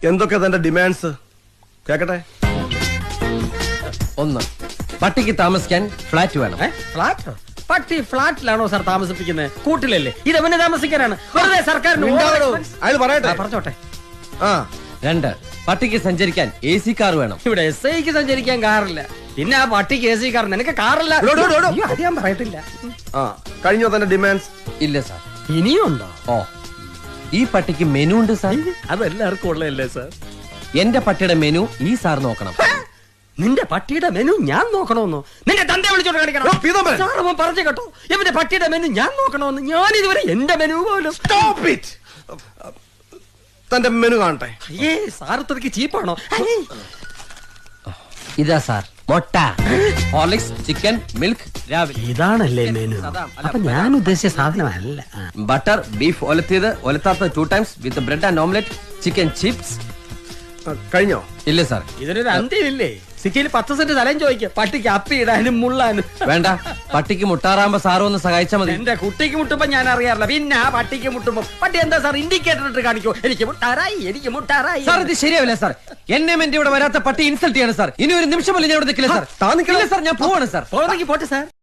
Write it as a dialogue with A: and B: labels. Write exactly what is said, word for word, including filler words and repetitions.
A: എന്തൊക്കെ തന്റെ ഡിമാൻഡ്സ് കേക്കട്ടെ?
B: ഒന്ന്, പട്ടിക്ക് താമസിക്കാൻ ഫ്ലാറ്റ് വേണം.
C: ഫ്ലാറ്റ്? പട്ടി ഫ്ലാറ്റിലാണോ സാർ താമസിപ്പിക്കുന്നത്? കൂട്ടിലല്ലേ? ഇത് അവന് താമസിക്കാനാണ്. വെറുതെ സർക്കാരിന്
A: അയാൾ പറയട്ടെ.
C: പറഞ്ഞോട്ടെ.
A: ആ.
B: രണ്ട്, പട്ടിക്ക് സഞ്ചരിക്കാൻ എ സി കാർ വേണം.
C: ഇവിടെ എസ് ഐക്ക് സഞ്ചരിക്കാൻ കാറില്ല, പിന്നെ ആ പട്ടിക്ക് എ സി കാർ. നിനക്ക് കാറില്ല? അത് ഞാൻ പറയട്ടില്ല.
A: ആ, കഴിഞ്ഞോ തന്റെ ഡിമാൻഡ്സ്?
B: ഇല്ല സാർ.
C: ഇനിയും ഉണ്ടോ?
B: ഓ, ഈ പട്ടിക്ക് മെനു ഉണ്ട് സാർ.
C: അതെല്ലാവർക്കും ഉള്ളതല്ലേ സാർ?
B: എന്റെ പട്ടിയുടെ മെനു ഈ സാർ നോക്കണം.
C: നിന്റെ പട്ടിയുടെ മെനു ഞാൻ നോക്കണമെന്നോ? നിന്റെ തന്റെ വിളിച്ചോണ്ട് കാണിക്കണം. സാർ അവൻ പറഞ്ഞു കേട്ടോ, ഇവന്റെ പട്ടിയുടെ മെനു ഞാൻ നോക്കണമെന്ന്. ഞാൻ ഇതുവരെ എന്റെ മെനു പോലും.
A: Stop it. തന്റെ മെനു കാണട്ടെ.
C: ഏ സാർ ഇത്രയ്ക്ക് ചീപ്പാണോ?
B: ഇതാ സാർ, മുട്ട, ഹോർലിക്സ്, ചിക്കൻ, മിൽക്ക് രാവിലെ.
C: ഇതാണല്ലേ മെനു? അപ്പൊ ഞാൻ ഉദ്ദേശിച്ച സാധനമല്ല.
B: ബട്ടർ, ബീഫ് ഒലത്തിയത്, ഒലത്താത്ത two times with bread and omelette, chicken chips.
A: കഴിഞ്ഞോ?
B: ഇല്ല സാർ.
C: ഇതിനൊരു അന്ത്യമില്ലേ? സിറ്റിയിൽ പത്ത് സെന്റ് സ്ഥലം ചോദിക്കും പട്ടിക്ക് അപ്പി ഇടാനും മുള്ളാനും.
B: വേണ്ട, പട്ടിക്ക് മുട്ടാറാകുമ്പോ സാറും ഒന്ന് സഹായിച്ചാൽ മതി.
C: എന്റെ കുട്ടിക്ക് മുട്ടുമ്പോ ഞാൻ അറിയാറില്ല, പിന്നെ ആ പട്ടിക്ക് മുട്ടുമ്പോ പട്ടി എന്താ സാർ ഇൻഡിക്കേറ്റർ ഇട്ട് കാണിക്കോ? എനിക്ക് മുട്ടാറായി, എനിക്ക് മുട്ടാറായി.
B: സാർ ഇത് ശരിയാവില്ല സാർ. എന്നെ എന്റെ ഇവിടെ വരാത്ത പട്ടി ഇൻസൾട്ട് ചെയ്യാണ് സാർ. ഇനി ഒരു നിമിഷം പോലും ഞാൻ ഇവിടെ നിൽക്കില്ല സാർ.
A: താ നിൽക്കില്ല
B: സാർ, ഞാൻ പോവാണ് സാർ.
C: പോകണമെങ്കിൽ പോട്ടെ സാർ.